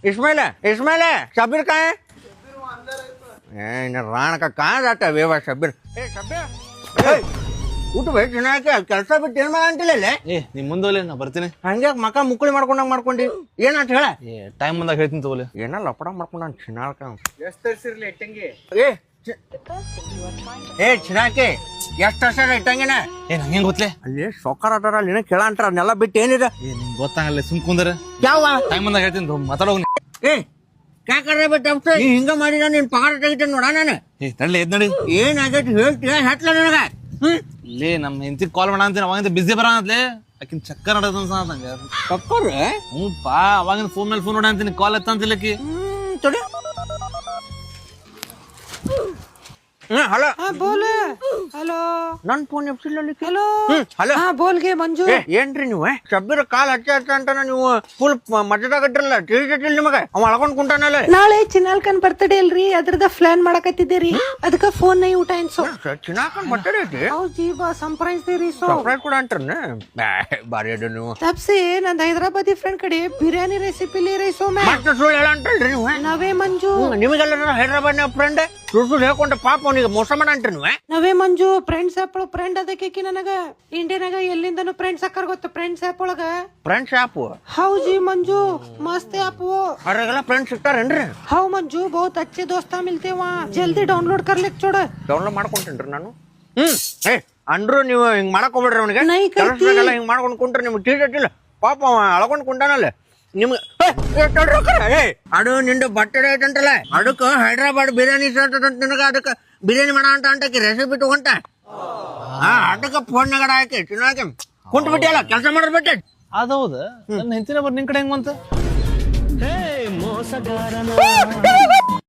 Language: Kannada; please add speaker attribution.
Speaker 1: इस्माइल इस्माइल शब्बीर कहाँ है? राण का कहाँ जाता है वेवा शब्बीर? शब्बीर ಊಟ ಬೇಕು ಚೆನ್ನಾಗಿ ಕೆಲಸ ಬಿಟ್ಟು ಏನ್ ಮಾಡ ಅಂತಿಲ್ಲ
Speaker 2: ನೀ ಮುಂದೋಲೆ ನಾ ಬರ್ತೀನಿ.
Speaker 1: ಹಂಗೆ ಮಕ್ಕ ಮುಕ್ಕಳಿ ಮಾಡ್ಕೊಂಡಿ ಏನಂತ ಹೇಳ
Speaker 2: ಟೈಮ್ ಬಂದಾಗ ಹೇಳ್ತೀನಿ ತಗೋಲೆ.
Speaker 1: ಏನ ಲಪಡ ಮಾಡ್ಕೊಂಡ ಚಿನ್ನಾಳ್ಕ ಚಿನ್ನಾಕಿ ಎಷ್ಟ್ ವರ್ಷ ಇಟ್ಟಂಗಿನ
Speaker 2: ನಂಗೆ ಗೊತ್ತಲೆ
Speaker 1: ಅಲ್ಲಿ ಸೊಕ್ಕರ್ ಅದಾರ ಅಲ್ಲಿ ಏನೋ ಕೇಳ ಅಂತಾರ ಅದನ್ನೆಲ್ಲ ಬಿಟ್ಟು ಏನಿದೆ
Speaker 2: ನಿಂಗೆ ಗೊತ್ತಾಗಲ್ಲ ಸುಮ್ ಕುಂದ್ರ
Speaker 1: ಯಾವ
Speaker 2: ಟೈಮ್ ಬಂದಾಗ ಹೇಳ್ತೀನಿ ಮಾತಾಡೋಗಿ.
Speaker 1: ಕಾಕರ ಬಿಟ್ಟು ಹಿಂಗ ಮಾಡಿ ನಿನ್ ಪಗಾರ ತೆಗಿತೇನೆ ನೋಡ ನಾನು
Speaker 2: ತಡ್ಲಿ ಎದ್ ನೋಡಿ
Speaker 1: ಏನಾಗೈತಿ ಹೇಳ್ತೀಯ ಹೆಟ್ಲ ನನಗ
Speaker 2: ಲೇ ನಮ್ಮ ಹೆಂಡತಿ ಕಾಲ್ ಮಾಡ ಅಂತೀನಿ ಅವಾಗಿಂದ ಬಿಸಿ ಬರ ಅಂತ್ಲೆ ಆಕಿನ ಚಕ್ಕರ್ ನಡದ ನಂಗೆ
Speaker 1: ಚಕ್ಕರ್
Speaker 2: ಹ್ಞೂ ಪಾ ಅವಾಗಿಂದ ಫೋನ್ ಮೇಲೆ ಫೋನ್ ನೋಡ ಅಂತೀನಿ ಕಾಲ್ ಎತ್ತಂತಿಲ್ಲಕಿ.
Speaker 1: ತೊಡಿ हेलो
Speaker 3: हाँ बोल हेलो
Speaker 1: नन फोन ಎಬ್ಸಿಲ್ಲಲ್ಲಿ
Speaker 3: हेलो
Speaker 1: हेलो
Speaker 3: हाँ बोल गे ಮಂಜು
Speaker 1: ಏನ್ರಿ ನೀವು ಶಬ್ಬೀರ್ ಕಾಲ್ ಹಚ್ಚ ಅಂತಾನ ನೀವು ಫುಲ್ ಮಜದಾಗಟ್ರಲ್ಲ ತಿಳಿದಿಲ್ಲ ನಿಮಗೆ ಅವ ಅಳ್ಕೊಂಡ್ ಕುಂಟಾನಲ್ಲ.
Speaker 3: ನಾಳೆ ಚಿನ್ನಾಲ್ಕನ್ ಬರ್ತಡೇ ಅಲ್ರಿ ಅದ್ರದ ಪ್ಲಾನ್ ಮಾಡಕತ್ತಿದ್ದೀರಿ ಅದಕ್ಕ ಫೋನ್ ನೈ ಊಟ ಎನ್ಸೋ
Speaker 1: ಚಿನ್ನಾಕನ್ ಬರ್ತಡೇ ಐತಿ
Speaker 3: ಹೌದು ಬಾ ಸರ್ಪ್ರೈಸ್ ದೇರಿ ಸೋ
Speaker 1: ಸರ್ಪ್ರೈಸ್ ಕೂಡ ಅಂಟ್ರನ ಬಾರಿ ಅದ ನೀವು
Speaker 3: ತಪ್ಸಿ ನಂದ್ ಹೈದರಾಬಾದಿ ಫ್ರೆಂಡ್ ಕಡೆ ಬಿರಿಯಾನಿ ರೆಸಿಪಿ ಲೇ ರೈಸೋ ಮೇ
Speaker 1: ಮತ್ತೆ ಸುಳ್ಳು ಹೇಳ ಅಂಟ್ರಲ್ರಿ ನೀವು
Speaker 3: ನವೇ ಮಂಜು
Speaker 1: ನಿಮಗೆಲ್ಲ ಹೈದರಾಬಾದ್ ಫ್ರೆಂಡ್ ಸುಳ್ಳು ಹೇಳ್ಕೊಂಡ ಪಾಪ ಅವನಿಗೆ ಮೋಸ ಮಾಡ ಅಂಟ್ರಿ ನೀವು
Speaker 3: ನವೇ ಮಂಜು ಫ್ರೆಂಡ್ಸ್ ಆಪ್ ಫ್ರೆಂಡ್ ಅದಕ್ಕೆ ನನಗ ಇಂಡಿಯನಾಗ ಎಲ್ಲಿಂದನು ಫ್ರೆಂಡ್ಸ್ ಹಾಕರ್ ಗೊತ್ತ ಫ್ರೆಂಡ್ಸ್ ಆಪ್ ಒಳಗ
Speaker 1: ಫ್ರೆಂಡ್ಸ್ ಆಪ್
Speaker 3: ಹೌಜಿ ಮಂಜು ಮಸ್ತ್ ಆಪ್ वो
Speaker 1: ಅವ್ರಿಗೆಲ್ಲ ಫ್ರೆಂಡ್ಸ್ ಸಿಗ್ತಾರೇನ್ರಿ?
Speaker 3: हाँ मंजू बहुत अच्छे दोस्त मिलते हैं वहाँ जल्दी डाउनलोड कर ले छोड़
Speaker 1: ಡೌನ್ಲೋಡ್ ಮಾಡ್ಕೊಂತೇನ್ರಿ ನಾನು. ಅಂದ್ರು ನೀವು ಹಿಂಗ್ ಮಾಡಕ್ ಹೋಗ್ಬೇಡ್ರಿ ಅವನಿಗೆ
Speaker 3: ನೈ ಕರ್ತಿ.
Speaker 1: ಕೆಲಸದಾಗೆಲ್ಲ ಹಿಂಗ್ ಮಾಡ್ಕೊಂಡ್ ಕುಂಟ್ರೆ ನಿಮ್ಗೆ ತಿಳಿದಿಲ್ಲ ಪಾಪ ಅವ ಅಳ್ಕೊಂಡ್ ಕುಂಟಾನಲ್ಲ ನಿಮ್ಗೆ ಅಡು ನಿಂದು ಬರ್ತಡೇ ಐತಂತಲ್ಲ ಅದಕ್ಕೆ ಹೈದ್ರಾಬಾದ್ ಬಿರಿಯಾನಿ ಸೇರ್ತದಂತ ನಿನಗ ಅದಕ್ಕೆ ಬಿರಿಯಾನಿ ಮಾಡ ಅಂತ ಅಂಟಕ್ಕೆ ರೆಸಿಪಿ ತಗೊಂತ ಅದಕ್ಕೆ ಫೋನ್ನಾಗ ಹಾಕಿ ತಿನ್ನಾಕೆ ಕುಂಟ್ ಬಿಟ್ಟಿಯಲ್ಲ ಕೆಲಸ ಮಾಡೋದ್ ಬಿಟ್ಟೆ
Speaker 2: ಅದೌದ ನನ್ನ ಹೆಂಡತಿನ ಬರ್ ನಿನ್ ಕಡೆ ಹೆಂಗ್ ಬಂತ
Speaker 3: ಮೋಸಗಾರನ